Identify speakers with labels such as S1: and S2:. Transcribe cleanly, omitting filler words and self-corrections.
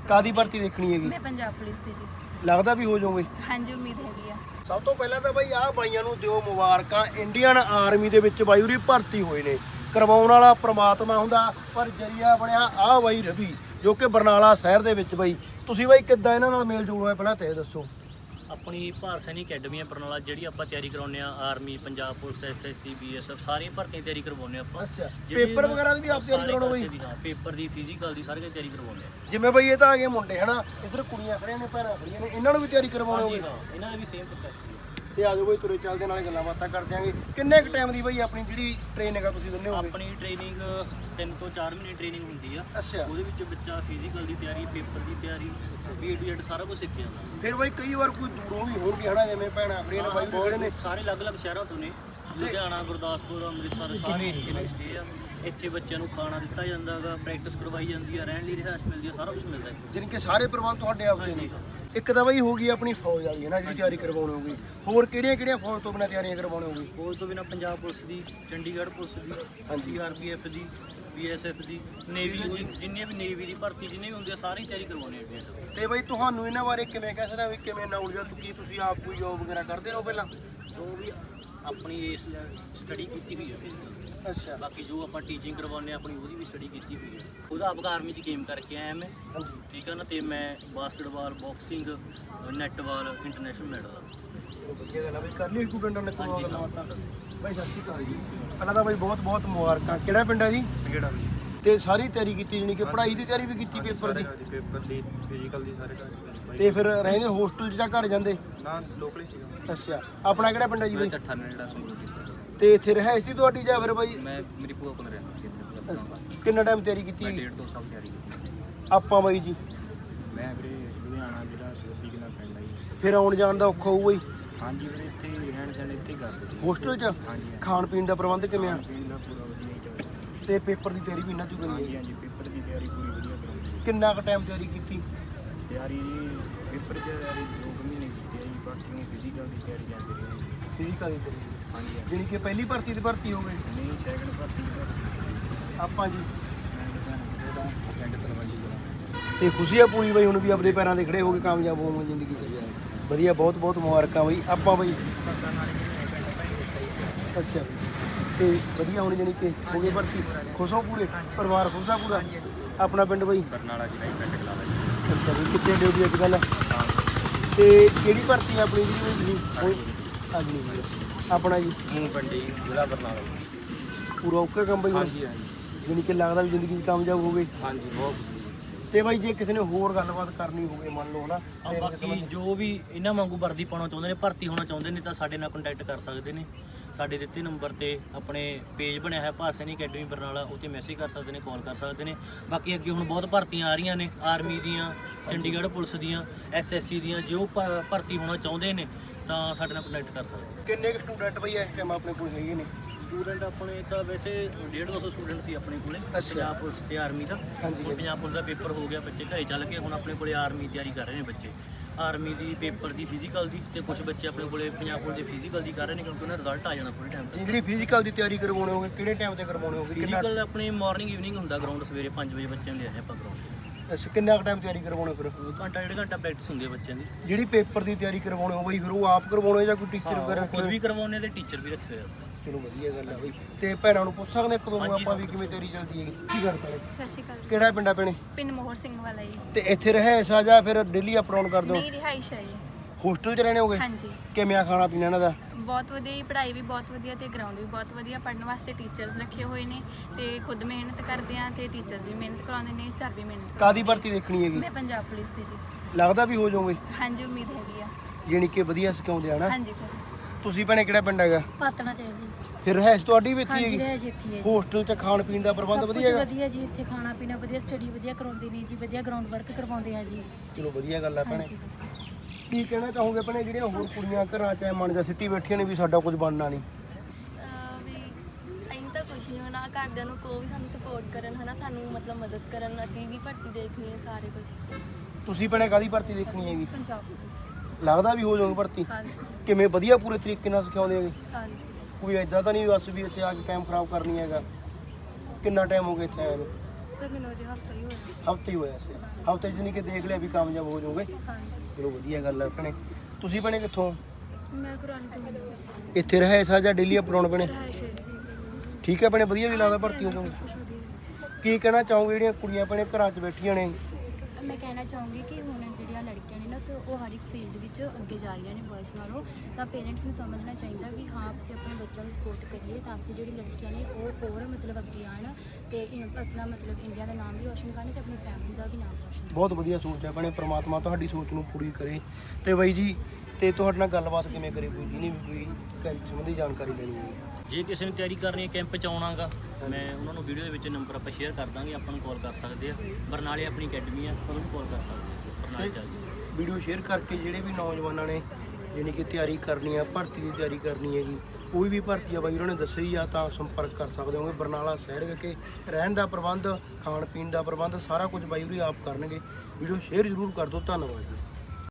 S1: ਕਾਦੀ ਭਰਤੀ ਦੇਖਣੀ ਹੈਗੀ?
S2: ਮੈਂ ਪੰਜਾਬ ਪੁਲਿਸ ਦੀ ਜੀ।
S1: ਲੱਗਦਾ ਵੀ ਹੋ ਜਾਓਗੇ?
S2: ਹਾਂਜੀ ਉਮੀਦ ਹੈਗੀ ਆ।
S1: ਸਭ ਤੋਂ ਪਹਿਲਾਂ ਤਾਂ ਬਾਈ ਆਹ ਬਾਈਆਂ ਨੂੰ ਦਿਓ ਮੁਬਾਰਕਾਂ। ਇੰਡੀਅਨ ਆਰਮੀ ਦੇ ਵਿੱਚ ਬਾਈ ਉਰੀ ਭਰਤੀ ਹੋਏ ਨੇ। ਕਰਵਾਉਣ ਵਾਲਾ ਪ੍ਰਮਾਤਮਾ ਹੁੰਦਾ, ਪਰ ਜਰੀਆ ਬਣਿਆ ਆਹ ਬਾਈ ਰਵੀ, ਜੋ ਕਿ ਬਰਨਾਲਾ ਸ਼ਹਿਰ ਦੇ ਵਿੱਚ। ਬਾਈ ਤੁਸੀਂ ਬਾਈ ਕਿੱਦਾਂ ਇਹਨਾਂ ਨਾਲ ਮੇਲ ਜੋਲ ਹੋਇਆ ਪਹਿਲਾਂ ਤੇ ਇਹ ਦੱਸੋ।
S3: ਆਪਣੀ ਭਾਰਤ ਸੈਨਿਕ ਅਕੈਡਮੀ ਬਰਨਾਲਾ, ਜਿਹੜੀ ਆਪਾਂ ਤਿਆਰੀ ਕਰਾਉਂਦੇ ਆ army, Punjab police, SSC, BSF ਸਾਰੀਆਂ ਭਰਤੀਆਂ ਤਿਆਰੀ ਕਰਵਾਉਂਦੇ ਆਪਾਂ।
S1: ਅੱਛਾ, ਪੇਪਰ ਵਗੈਰਾ ਦੀ ਵੀ ਆਪ ਤਿਆਰੀ ਕਰਾਉਣੇ ਬਾਈ?
S3: ਹਾਂ, ਪੇਪਰ ਦੀ, ਫਿਜ਼ੀਕਲ ਦੀ, ਸਾਰੀਆਂ ਤਿਆਰੀ ਕਰਵਾਉਂਦੇ ਆ।
S1: ਜਿਵੇਂ ਬਾਈ ਇਹ ਤਾਂ ਆ ਗਏ ਮੁੰਡੇ ਹਨਾ, ਇੱਧਰ ਕੁੜੀਆਂ ਖੜੀਆਂ ਨੇ, ਭੈਣਾਂ ਖੜੀਆਂ ਨੇ, ਇਹਨਾਂ ਨੂੰ ਵੀ ਤਿਆਰੀ ਕਰਵਾਉਣੀ ਹੋਵੇ?
S3: ਹਾਂ, ਇਹਨਾਂ ਨੇ ਵੀ ਸੇਮ ਪ੍ਰੋਸੈਸ।
S1: ਤੇ ਆ ਜਾਓ ਬਾਈ, ਤੁਰੇ ਚੱਲਦੇ ਨਾਲੇ ਗੱਲਾਂ ਬਾਤਾਂ ਕਰ ਦਿਆਂਗੇ। ਕਿੰਨੇ ਕੁ ਟਾਈਮ ਦੀ ਬਾਈ ਆਪਣੀ ਜਿਹੜੀ ਟ੍ਰੇਨਿੰਗ ਆ ਤੁਸੀਂ ਦਿੰਦੇ ਹੋਗੇ?
S3: ਆਪਣੀ ਟ੍ਰੇਨਿੰਗ 3 ਤੋਂ 4 ਮਹੀਨੇ ਟ੍ਰੇਨਿੰਗ ਹੁੰਦੀ ਆ।
S1: ਅੱਛਾ,
S3: ਉਹਦੇ ਵਿੱਚ ਬੱਚਾ ਫਿਜ਼ੀਕਲ ਦੀ ਤਿਆਰੀ, ਪੇਪਰ ਦੀ ਤਿਆਰੀ, A to Z ਸਾਰਾ ਕੁਝ ਸਿੱਖ ਜਾਂਦਾ।
S1: ਫਿਰ ਬਾਈ ਕਈ ਵਾਰ ਕੋਈ ਦੂਰੋਂ ਵੀ ਹੋਣਗੇ ਹਨਾ, ਜਿਵੇਂ ਭੈਣਾਂ ਖੜੀਆਂ ਨੇ, ਬਾਈ ਵੀ ਖੜੇ ਨੇ।
S3: ਸਾਰੇ ਅਲੱਗ-ਅਲੱਗ ਸ਼ਹਿਰਾਂ ਤੋਂ ਨੇ, ਲੁਧਿਆਣਾ, ਗੁਰਦਾਸਪੁਰ, ਅੰਮ੍ਰਿਤਸਰ, ਸਾਰੇ ਇੱਥੇ ਦੇ ਸਟੇ ਆ। ਇੱਥੇ ਬੱਚਿਆਂ ਨੂੰ ਖਾਣਾ ਦਿੱਤਾ ਜਾਂਦਾ ਹੈਗਾ, ਪ੍ਰੈਕਟਿਸ ਕਰਵਾਈ ਜਾਂਦੀ ਆ, ਰਹਿਣ ਲਈ ਰਿਹਾਇਸ਼ ਮਿਲਦੀ ਆ, ਸਾਰਾ ਕੁਝ ਮਿਲਦਾ ਹੈ।
S1: ਜਿਨ ਕਿ ਸਾਰੇ ਪ੍ਰਬੰਧ ਤੁਹਾਡੇ ਆਪਦੇ ਨੇ। ਇੱਕ ਤਾਂ ਬਾਈ ਹੋ ਗਈ ਆਪਣੀ ਫੌਜ ਵਾਲੀ ਹੈ ਨਾ, ਜਿਹੜੀ ਤਿਆਰੀ ਕਰਵਾਉਣੀ ਹੋਗੀ। ਹੋਰ ਕਿਹੜੀਆਂ ਫੌਜ ਤੋਂ ਬਿਨਾਂ ਤਿਆਰੀਆਂ ਕਰਵਾਉਣੀ ਹੋਗੀ?
S3: ਫੌਜ ਤੋਂ ਬਿਨਾਂ ਪੰਜਾਬ ਪੁਲਿਸ ਦੀ, ਚੰਡੀਗੜ੍ਹ ਪੁਲਿਸ ਦੀ,
S1: ਹਾਂਜੀ,
S3: CRPF ਦੀ, BSF ਦੀ, ਨੇਵੀ ਦੀ, ਜਿੰਨੇ ਵੀ ਨੇਵੀ ਦੀ ਭਰਤੀ ਜਿੰਨੇ ਵੀ ਹੁੰਦੇ ਆ ਸਾਰੀ ਤਿਆਰੀ ਕਰਵਾਉਣੀ ਹੈ।
S1: ਤੇ ਬਾਈ ਤੁਹਾਨੂੰ ਇਹਨਾਂ ਬਾਰੇ ਕਿਵੇਂ ਕਹਿ ਸਕਦਾ ਵੀ ਕਿਵੇਂ ਨੌਲੇਜ ਆ? ਤੁਸੀਂ ਆਪ ਕੋਈ ਜੋਬ ਵਗੈਰਾ ਕਰਦੇ ਰਹੋ ਪਹਿਲਾਂ?
S3: ਜੋ ਵੀ ਆਪਣੀ ਇਸ ਸਟੱਡੀ ਕੀਤੀ ਹੋਈ ਹੈ।
S1: ਅੱਛਾ,
S3: ਬਾਕੀ ਜੋ ਆਪਾਂ ਟੀਚਿੰਗ ਕਰਵਾਉਂਦੇ ਆ ਆਪਣੀ ਉਹਦੀ ਵੀ ਸਟੱਡੀ ਕੀਤੀ ਹੋਈ ਹੈ। ਉਹਦਾ ਆਪ ਆਰਮੀ 'ਚ ਗੇਮ ਕਰਕੇ ਆਇਆ ਮੈਂ,
S1: ਹਾਂਜੀ,
S3: ਠੀਕ ਹੈ ਨਾ। ਤੇ ਮੈਂ basketball, boxing, netball, international medal.
S1: ਵਧੀਆ ਗੱਲ ਆ ਬਾਈ। ਕਰ ਲਈ ਸਟੂਡੈਂਟਾਂ ਨੇ ਕੋਈ
S3: ਹਾਂਜੀ,
S1: ਗੱਲਾਂ ਬਾਤਾਂ? ਬਾਈ ਸਤਿ ਸ਼੍ਰੀ ਅਕਾਲ ਜੀ। ਪਹਿਲਾਂ ਤਾਂ ਬਾਈ ਬਹੁਤ ਬਹੁਤ ਮੁਬਾਰਕਾਂ। ਕਿਹੜਾ ਪਿੰਡ ਹੈ ਜੀ?
S4: ਕਿਹੜਾ
S1: ਤੇ ਸਾਰੀ ਤਿਆਰੀ ਕੀਤੀ, ਜਾਣੀ ਕਿ ਪੜ੍ਹਾਈ ਦੀ ਤਿਆਰੀ ਵੀ ਕੀਤੀ, ਪੇਪਰ ਦੀ?
S4: ਪੇਪਰ ਦੀ, ਫਿਜ਼ੀਕਲ ਦੀ, ਸਾਰੇ ਕੰਮ।
S1: ਤੇ ਫਿਰ ਰਹਿੰਦੇ ਹੋਸਟਲ 'ਚ ਜਾਂ ਘਰ ਜਾਂਦੇ?
S4: ਨਾ, ਲੋਕਲ ਹੀ ਸੀਗਾ।
S1: ਅੱਛਾ, ਆਪਣਾ ਕਿਹੜਾ ਪਿੰਡ ਹੈ ਜੀ ਬਾਈ?
S4: ਚੱਠਾ ਨੇ ਜਿਹੜਾ ਸੰਗਰੂਰ ਡਿਸਟ੍ਰਿਕਟ।
S1: ਤੇ ਇੱਥੇ ਰਹਿائش ਸੀ ਤੁਹਾਡੀ ਜਾਂ ਫਿਰ ਬਾਈ?
S4: ਮੈਂ ਮੇਰੀ ਭੂਆ ਕੋਲ ਰਹਿੰਦਾ ਸੀ ਇੱਥੇ।
S1: ਕਿੰਨਾ ਟਾਈਮ ਤਿਆਰੀ ਕੀਤੀ?
S4: ਮੈਂ 1.5 ਸਾਲ ਤਿਆਰੀ ਕੀਤੀ।
S1: ਆਪਾਂ ਬਾਈ ਜੀ
S4: ਮੈਂ ਵੀਰੇ ਲੁਧਿਆਣਾ ਜਿਹੜਾ ਸੋਧੀ ਕਿਲਾ ਪਿੰਡ ਹੈ ਜੀ।
S1: ਫਿਰ ਆਉਣ ਜਾਣ ਦਾ ਔਖਾ ਹੋਊ ਬਾਈ?
S4: ਹਾਂਜੀ ਵੀਰੇ, ਇੱਥੇ ਹੀ ਰਹਿਣ ਸਹਿਣ ਇੱਥੇ ਹੀ ਕਰਦੇ ਸੀ
S1: ਹੋਸਟਲ 'ਚ?
S4: ਹਾਂਜੀ।
S1: ਖਾਣ ਪੀਣ ਦਾ ਪ੍ਰਬੰਧ ਕਿਵੇਂ ਆ?
S4: ਖਾਣ ਪੀਣ ਦਾ ਪੂਰਾ ਵਧੀਆ ਹੀ ਚੱਲਦਾ।
S1: ਤੇ ਪੇਪਰ ਦੀ ਤਿਆਰੀ ਵੀ ਇਹਨਾਂ 'ਚ ਕਰੀ
S4: ਹਾਂਜੀ
S1: ਹੈ?
S4: ਹਾਂਜੀ, ਪੇਪਰ ਦੀ ਤਿਆਰੀ ਪੂਰੀ ਵਧੀਆ ਕਰਾਉਂਦੇ।
S1: ਕਿੰਨਾ ਕੁ ਟਾਈਮ ਤਿਆਰੀ ਕੀਤੀ?
S4: ਤਿਆਰੀ ਜੀ ਪੇਪਰ ਦੀ ਤਿਆਰੀ 2 ਮਹੀਨੇ ਕੀਤੀ ਹੈ ਜੀ। ਬਾਕੀ ਹੁਣ ਫਿਜ਼ੀਕਲ ਦੀ ਤਿਆਰੀ ਜਾਂਦੀ ਰਹੀ ਹੈ।
S1: ਫਿਜ਼ੀਕਲ ਦੀ ਤਿਆਰੀ?
S4: ਹਾਂਜੀ ਹਾਂਜੀ।
S1: ਜਾਣੀ ਕਿ ਪਹਿਲੀ ਭਰਤੀ ਦੀ ਭਰਤੀ ਹੋ ਗਈ?
S4: ਨਹੀਂ, ਸੈਕਿੰਡ ਭਰਤੀ ਦੀ।
S1: ਆਪਾਂ ਜੀ
S4: ਮੈਂ ਲੁਧਿਆਣਾ ਦਾ ਪਿੰਡ ਤਲਵੰਡੀ ਕਲਾਂ।
S1: ਤੇ ਖੁਸ਼ੀ ਆ ਪੂਰੀ ਬਾਈ ਹੁਣ ਵੀ ਆਪਣੇ ਪੈਰਾਂ ਤੇ ਖੜੇ ਹੋ ਕੇ ਕਾਮਯਾਬ ਹੋਵਾਂਗੇ ਜ਼ਿੰਦਗੀ 'ਚ? ਵਧੀਆ, ਬਹੁਤ ਬਹੁਤ ਮੁਬਾਰਕਾਂ ਬਾਈ। ਆਪਾਂ ਬਾਈ ਅੱਛਾ, ਤੇ ਵਧੀਆ ਹੁਣ ਜਾਣੀ ਕਿ ਹੋ ਗਏ ਭਰਤੀ? ਖੁਸ਼ ਹੋ ਪੂਰੇ? ਪਰਿਵਾਰ ਖੁਸ਼ ਆ ਪੂਰਾ? ਆਪਣਾ ਪਿੰਡ ਬਾਈ?
S4: ਬਰਨਾਲਾ ਜ਼ਿਲ੍ਹਾ ਹੀ, ਪਿੰਡ ਕਲਾਵਾ ਜੀ।
S1: ਅੱਛਾ ਬਾਈ, ਕਿੱਥੇ ਡਿਊਟੀ ਅੱਜ ਕੱਲ੍ਹ? ਤੇ ਕਿਹੜੀ ਭਰਤੀ ਆ ਆਪਣੀ ਜਿਹੜੀ ਤੁਸੀਂ ਅੱਜ ਨਹੀਂ ਹੋਈ? ਆਪਣਾ ਜੀ?
S4: ਮੂੰਹ ਪਿੰਡੀ, ਜ਼ਿਲ੍ਹਾ ਬਰਨਾਲਾ।
S1: ਪੂਰਾ ਓਕੇ ਕੰਮ ਬਾਈ?
S4: ਹਾਂਜੀ ਹਾਂਜੀ
S1: ਜਾਣੀ ਕਿ ਲੱਗਦਾ ਵੀ ਜ਼ਿੰਦਗੀ 'ਚ ਕਾਮਯਾਬ ਹੋ ਗਏ?
S4: ਹਾਂਜੀ, ਬਹੁਤ
S1: ਤੇ ਬਾਈ ਜੇ ਕਿਸੇ ਨੇ ਹੋਰ ਗੱਲਬਾਤ ਕਰਨੀ ਹੋਵੇ, ਮੰਨ ਲਓ ਨਾ,
S3: ਬਾਕੀ ਜੋ ਵੀ ਇਹਨਾਂ ਵਾਂਗੂ ਵਰਦੀ ਪਾਉਣਾ ਚਾਹੁੰਦੇ ਨੇ, ਭਰਤੀ ਹੋਣਾ ਚਾਹੁੰਦੇ ਨੇ, ਤਾਂ ਸਾਡੇ ਨਾਲ ਕੰਟੈਕਟ ਕਰ ਸਕਦੇ ਨੇ। ਸਾਡੇ ਦਿੱਤੇ ਨੰਬਰ ਤੇ ਆਪਣੇ ਪੇਜ ਬਣਿਆ ਹੈ ਭਾਰਤ ਸੈਨਿਕ ਅਕੈਡਮੀ ਬਰਨਾਲਾ, ਉੱਤੇ ਮੈਸੇਜ ਕਰ ਸਕਦੇ ਨੇ, ਕਾਲ ਕਰ ਸਕਦੇ ਨੇ। ਬਾਕੀ ਅੱਗੇ ਹੁਣ ਬਹੁਤ ਭਰਤੀਆਂ ਆ ਰਹੀਆਂ ਨੇ, ਆਰਮੀ ਦੀਆਂ, ਚੰਡੀਗੜ੍ਹ ਪੁਲਿਸ ਦੀਆਂ, SSC ਦੀਆਂ। ਜੋ ਭਰਤੀ ਹੋਣਾ ਚਾਹੁੰਦੇ ਨੇ ਤਾਂ ਸਾਡੇ ਨਾਲ ਕੰਟੈਕਟ ਕਰ ਸਕਦੇ ਨੇ।
S1: ਕਿੰਨੇ ਕੁ ਸਟੂਡੈਂਟ ਬਈ ਇਸ ਟਾਈਮ ਆਪਣੇ ਕੋਲ ਹੈਗੇ ਨੇ?
S3: ਸਟੂਡੈਂਟ ਆਪਣੇ ਤਾਂ ਵੈਸੇ 150-200 ਸਟੂਡੈਂਟ ਸੀ ਆਪਣੇ ਕੋਲੇ, ਪੰਜਾਬ ਪੁਲਿਸ ਤੇ ਆਰਮੀ ਦਾ।
S1: ਹਾਂਜੀ,
S3: ਹੁਣ ਪੰਜਾਬ ਪੁਲਿਸ ਦਾ ਪੇਪਰ ਹੋ ਗਿਆ, ਬੱਚੇ ਘਰੇ ਚੱਲ ਕੇ ਹੁਣ ਆਪਣੇ ਕੋਲੇ ਆਰਮੀ ਤਿਆਰੀ ਕਰ ਰਹੇ ਨੇ ਬੱਚੇ। ਆਰਮੀ ਦੀ ਪੇਪਰ ਦੀ, ਫਿਜ਼ੀਕਲ ਦੀ, ਤੇ ਕੁਝ ਬੱਚੇ ਆਪਣੇ ਕੋਲੇ ਪੰਜਾਬ ਪੁਲਿਸ ਦੇ ਫਿਜ਼ੀਕਲ ਦੀ ਕਰ ਰਹੇ ਨੇ, ਕਿਉਂਕਿ ਉਹਨਾਂ ਦਾ ਰਿਜ਼ਲਟ ਆ ਜਾਣਾ ਥੋੜੇ ਟਾਈਮ ਤੱਕ।
S1: ਜਿਹੜੀ ਫਿਜ਼ੀਕਲ ਦੀ ਤਿਆਰੀ ਕਰਵਾਉਣੀ ਹੋਵੇ ਕਿਹੜੇ ਟਾਈਮ ਤੇ ਕਰਵਾਉਣੀ ਹੋਵੇ?
S3: ਫਿਜ਼ੀਕਲ ਆਪਣੇ ਮਾਰਨਿੰਗ ਈਵਨਿੰਗ ਹੁੰਦਾ, ਗਰਾਊਂਡ ਸਵੇਰੇ 5 ਵਜੇ ਬੱਚਿਆਂ ਨੂੰ ਲਿਆਏ ਆਪਾਂ ਗਰਾਊਂਡ।
S1: ਅੱਛਾ, ਕਿੰਨਾ ਕੁ ਟਾਈਮ ਤਿਆਰੀ ਕਰਵਾਉਣੀ ਫਿਰ?
S3: ਘੰਟਾ 1.5 ਘੰਟਾ ਪ੍ਰੈਕਟਿਸ ਹੁੰਦੀ ਹੈ ਬੱਚਿਆਂ ਦੀ।
S1: ਜਿਹੜੀ ਪੇਪਰ ਦੀ ਤਿਆਰੀ ਕਰਵਾਉਣੀ ਹੋਵੇ ਫਿਰ ਉਹ ਆਪ ਕਰਵਾਉਣੇ ਜਾਂ ਕੋਈ ਟੀਚਰ ਵਗੈਰਾ?
S3: ਕੁਝ ਵੀ ਕਰਵਾਉਣੇ ਤੇ ਟੀਚਰ ਵੀ ਰੱਖੇ ਹੋਏ ਆ।
S1: ਚਲੋ ਵਧੀਆ ਗੱਲ ਆ ਬਈ। ਤੇ ਭੈਣਾਂ ਨੂੰ ਪੁੱਛ ਸਕਦੇ ਇੱਕ ਦੋ
S3: ਹਾਂਜੀ,
S1: ਆਪਾਂ ਵੀ ਕਿਵੇਂ ਤਿਆਰੀ ਚੱਲਦੀ ਹੈਗੀ? ਕੀ ਕਰਦਾ ਹੈ?
S2: ਸਤਿ ਸ਼੍ਰੀ ਅਕਾਲ।
S1: ਕਿਹੜਾ ਪਿੰਡ ਆ ਭੈਣੇ?
S2: ਪਿੰਡ ਮੋਹਰ ਸਿੰਘ ਵਾਲਾ ਜੀ।
S1: ਤੇ ਇੱਥੇ ਰਹਿائش ਆ ਜਾਂ ਫਿਰ ਡੇਲੀ ਅਪ ਡਾਊਨ ਕਰਦੇ ਹੋ?
S2: ਨਹੀਂ, ਰਿਹਾਇਸ਼ ਹੈ ਜੀ।
S1: ਹੋਸਟਲ 'ਚ ਰਹਿਣੇ ਹੋਗੇ?
S2: ਹਾਂਜੀ,
S1: ਕਿਵੇਂ ਆ ਖਾਣਾ ਪੀਣਾ ਇਹਨਾਂ ਦਾ?
S2: ਬਹੁਤ ਵਧੀਆ ਜੀ। ਪੜ੍ਹਾਈ ਵੀ ਬਹੁਤ ਵਧੀਆ ਤੇ ਗਰਾਊਂਡ ਵੀ ਬਹੁਤ ਵਧੀਆ। ਪੜ੍ਹਨ ਵਾਸਤੇ ਟੀਚਰਸ ਰੱਖੇ ਹੋਏ ਨੇ ਤੇ ਖੁਦ ਮਿਹਨਤ ਕਰਦੇ ਆ ਤੇ ਟੀਚਰਸ ਵੀ ਮਿਹਨਤ ਕਰਾਉਂਦੇ ਨੇ, ਸਰ ਵੀ ਮਿਹਨਤ
S1: ਕਾਦੀ ਭਰਤੀ ਦੇਖਣੀ ਹੈਗੀ?
S2: ਮੈਂ ਪੰਜਾਬ ਪੁਲਿਸ ਦੀ ਜੀ।
S1: ਲੱਗਦਾ ਵੀ ਹੋ ਜਾਓਗੇ?
S2: ਹਾਂਜੀ ਉਮੀਦ ਹੈਗੀ ਆ।
S1: ਜਾਣੀ ਕਿ ਵਧੀਆ ਸਿਖਾਉਂਦੇ ਆ ਨਾ?
S2: ਹਾਂਜੀ ਸਰ।
S1: ਤੁਸੀਂ ਭੈਣੇ ਕਿਹੜਾ ਪਿੰਡ ਹੈਗਾ?
S5: ਪਾਤਣਾ ਚਾਹੀਦਾ ਜੀ।
S1: ਫਿਰ ਰਹਿائش ਤੁਹਾਡੀ ਵੀ ਇੱਥੇ
S5: ਹਾਂਜੀ,
S1: ਹੈਗੀ?
S5: ਰਹਿائش ਇੱਥੇ ਹੈ ਜੀ।
S1: ਹੋਸਟਲ 'ਚ ਖਾਣ ਪੀਣ ਦਾ ਪ੍ਰਬੰਧ
S5: ਸਭ ਕੁਛ
S1: ਵਧੀਆ ਹੈਗਾ?
S5: ਵਧੀਆ ਜੀ। ਇੱਥੇ ਖਾਣਾ ਪੀਣਾ ਵਧੀਆ, ਸਟੱਡੀ ਵਧੀਆ ਕਰਾਉਂਦੇ ਨੇ ਜੀ, ਵਧੀਆ ਗਰਾਊਂਡ ਵਰਕ ਕਰਵਾਉਂਦੇ ਆ ਜੀ।
S1: ਚਲੋ ਵਧੀਆ ਗੱਲ ਆ ਭੈਣੇ।
S5: ਹਾਂਜੀ ਸਰ।
S1: ਕੀ ਕਹਿਣਾ ਚਾਹੋਗੇ ਭੈਣੇ ਜਿਹੜੀਆਂ ਹੋਰ ਕੁੜੀਆਂ ਘਰਾਂ 'ਚ ਮਨ ਜਾ ਸਿੱਟੀ ਬੈਠੀਆਂ ਨੇ ਵੀ ਸਾਡਾ ਕੁਝ ਬਣਨਾ ਨਹੀਂ?
S6: ਵੀ ਅਸੀਂ ਤਾਂ ਕੁਛ ਨਹੀਂ ਹੋਣਾ, ਘਰਦਿਆਂ ਨੂੰ ਕਹੋ ਵੀ ਸਾਨੂੰ ਸਪੋਰਟ ਕਰਨ, ਹਨਾ, ਸਾਨੂੰ ਮਤਲਬ ਮਦਦ ਕਰਨ, ਅਸੀਂ ਵੀ ਭਰਤੀ ਦੇਖਣੀ ਹੈ ਸਾਰੇ ਕੁਝ।
S1: ਤੁਸੀਂ ਭੈਣੇ ਕਾਦੀ ਭਰਤੀ ਦੇਖਣੀ ਹੈਗੀ?
S2: ਪੰਜਾਬ ਪੁਲਿਸ।
S1: ਲੱਗਦਾ ਵੀ ਹੋ ਜਾਓਗੇ ਭਰਤੀ?
S2: ਹਾਂਜੀ
S1: ਕਿਵੇਂ ਵਧੀਆ ਪੂਰੇ ਤਰੀਕੇ ਨਾਲ ਸਿਖਾਉਂਦੇ ਹੈਗੇ?
S2: ਹਾਂਜੀ।
S1: ਕੋਈ ਐਦਾਂ ਤਾਂ ਨਹੀਂ ਬਸ ਵੀ ਇੱਥੇ ਆ ਕੇ ਟਾਈਮ ਖਰਾਬ ਕਰਨੀ ਹੈਗਾ? ਕਿੰਨਾ ਟਾਈਮ ਹੋ ਗਿਆ ਇੱਥੇ ਆਏ ਨੂੰ?
S5: ਸਰ ਮੈਨੂੰ ਅਜੇ ਹਫਤਾ ਹੀ ਹੋਇਆ
S1: ਹਫ਼ਤੇ ਹੀ ਹੋਇਆ ਸੀ, ਹਫ਼ਤੇ 'ਚ ਨਹੀਂ ਕਿ ਦੇਖ ਲਿਆ ਵੀ ਕਾਮਯਾਬ ਹੋ ਜਾਓਗੇ।
S5: ਹਾਂਜੀ
S1: ਚਲੋ ਵਧੀਆ ਗੱਲ ਹੈ ਭੈਣੇ। ਤੁਸੀਂ ਭੈਣੇ ਕਿੱਥੋਂ?
S5: ਮੈਂ ਕੁਰਾਨ ਤੋਂ
S1: ਇੱਥੇ ਰਹੇ ਸਾ ਜਾਂ ਡੇਲੀ ਅਪ ਡਾਊਨ ਭੈਣੇ?
S5: ਰਹਾਇਸ਼ ਹੈ
S1: ਠੀਕ ਹੈ ਭੈਣੇ, ਵਧੀਆ ਵੀ ਲੱਗਦਾ ਭਰਤੀ ਹੋ ਜਾਓਗੇ।
S5: ਕੁਛ ਵਧੀਆ
S1: ਕੀ ਕਹਿਣਾ ਚਾਹੋਗੇ ਜਿਹੜੀਆਂ ਕੁੜੀਆਂ ਭੈਣੇ ਘਰਾਂ 'ਚ ਬੈਠੀਆਂ ਨੇ?
S5: ਮੈਂ ਕਹਿਣਾ ਚਾਹੂੰਗੀ ਕਿ ਹੁਣ ਜਿਹੜੀਆਂ ਲੜਕੀਆਂ ਨੇ ਨਾ ਤੇ ਉਹ ਹਰ ਇੱਕ ਫੀਲਡ ਵਿੱਚ ਅੱਗੇ ਜਾ ਰਹੀਆਂ ਨੇ ਬॉयਜ਼ ਨਾਲੋਂ, ਤਾਂ ਪੇਰੈਂਟਸ ਨੂੰ ਸਮਝਣਾ ਚਾਹੀਦਾ ਕਿ ਹਾਂ ਅਸੀਂ ਆਪਣੇ ਬੱਚਿਆਂ ਨੂੰ ਸਪੋਰਟ ਕਰੀਏ ਤਾਂ ਕਿ ਜਿਹੜੀ ਲੜਕੀਆਂ ਨੇ ਉਹ ਹੋਰ ਮਤਲਬ ਅੱਗੇ ਆਉਣ ਤੇ ਆਪਣਾ ਮਤਲਬ ਇੰਡੀਆ ਦਾ ਨਾਮ ਵੀ ਰੋਸ਼ਨ ਕਰਨ ਤੇ ਆਪਣੀ ਫੈਮਿਲੀ ਦਾ ਵੀ ਨਾਮ ਰੋਸ਼ਨ ਕਰਨ।
S1: ਬਹੁਤ ਵਧੀਆ ਸੋਚ ਹੈ ਭੈਣੇ, ਪ੍ਰਮਾਤਮਾ ਤੁਹਾਡੀ ਸੋਚ ਨੂੰ ਪੂਰੀ ਕਰੇ। ਤੇ ਬਾਈ ਜੀ, ਤੇ ਤੁਹਾਡੇ ਨਾਲ ਗੱਲਬਾਤ ਕਿਵੇਂ ਕਰੇ ਕੋਈ ਜਿਹਨੇ ਵੀ ਕੋਈ ਕੈਂਪ ਸੰਬੰਧੀ ਜਾਣਕਾਰੀ ਲੈਣੀ ਹੈ?
S3: ਜੇ ਕਿਸੇ ਨੇ ਤਿਆਰੀ ਕਰਨੀ ਹੈ ਕੈਂਪ 'ਚ ਆਉਣਾਗਾ, ਮੈਂ ਉਹਨਾਂ ਨੂੰ ਵੀਡੀਓ ਦੇ ਵਿੱਚ ਨੰਬਰ ਆਪਾਂ ਸ਼ੇਅਰ ਕਰ ਦਾਂਗੇ, ਆਪਾਂ ਨੂੰ ਕਾਲ ਕਰ ਸਕਦੇ ਆ। ਬਰਨਾਲੇ ਆਪਣੀ ਅਕੈਡਮੀ ਆ, ਉਹਨੂੰ ਕਾਲ ਕਰ ਸਕਦੇ ਆ ਬਰਨਾਲੇ ਜਾ ਕੇ।
S1: ਵੀਡੀਓ ਸ਼ੇਅਰ ਕਰਕੇ ਜਿਹੜੇ ਵੀ ਨੌਜਵਾਨਾਂ ਨੇ ਜਾਣੀ ਕਿ ਤਿਆਰੀ ਕਰਨੀ ਆ, ਭਰਤੀ ਦੀ ਤਿਆਰੀ ਕਰਨੀ ਹੈਗੀ, ਕੋਈ ਵੀ ਭਰਤੀ ਆ ਬਾਈ ਉਹਨਾਂ ਨੇ ਦੱਸਿਆ ਹੀ ਆ, ਤਾਂ ਸੰਪਰਕ ਕਰ ਸਕਦੇ ਹੋਗੇ। ਬਰਨਾਲਾ ਸ਼ਹਿਰ ਵਿਖੇ ਰਹਿਣ ਦਾ ਪ੍ਰਬੰਧ, ਖਾਣ ਪੀਣ ਦਾ ਪ੍ਰਬੰਧ ਸਾਰਾ ਕੁਝ ਬਾਈ ਉਰੀ ਆਪ ਕਰਨਗੇ। ਵੀਡੀਓ ਸ਼ੇਅਰ ਜ਼ਰੂਰ ਕਰ ਦਿਓ। ਧੰਨਵਾਦ ਜੀ।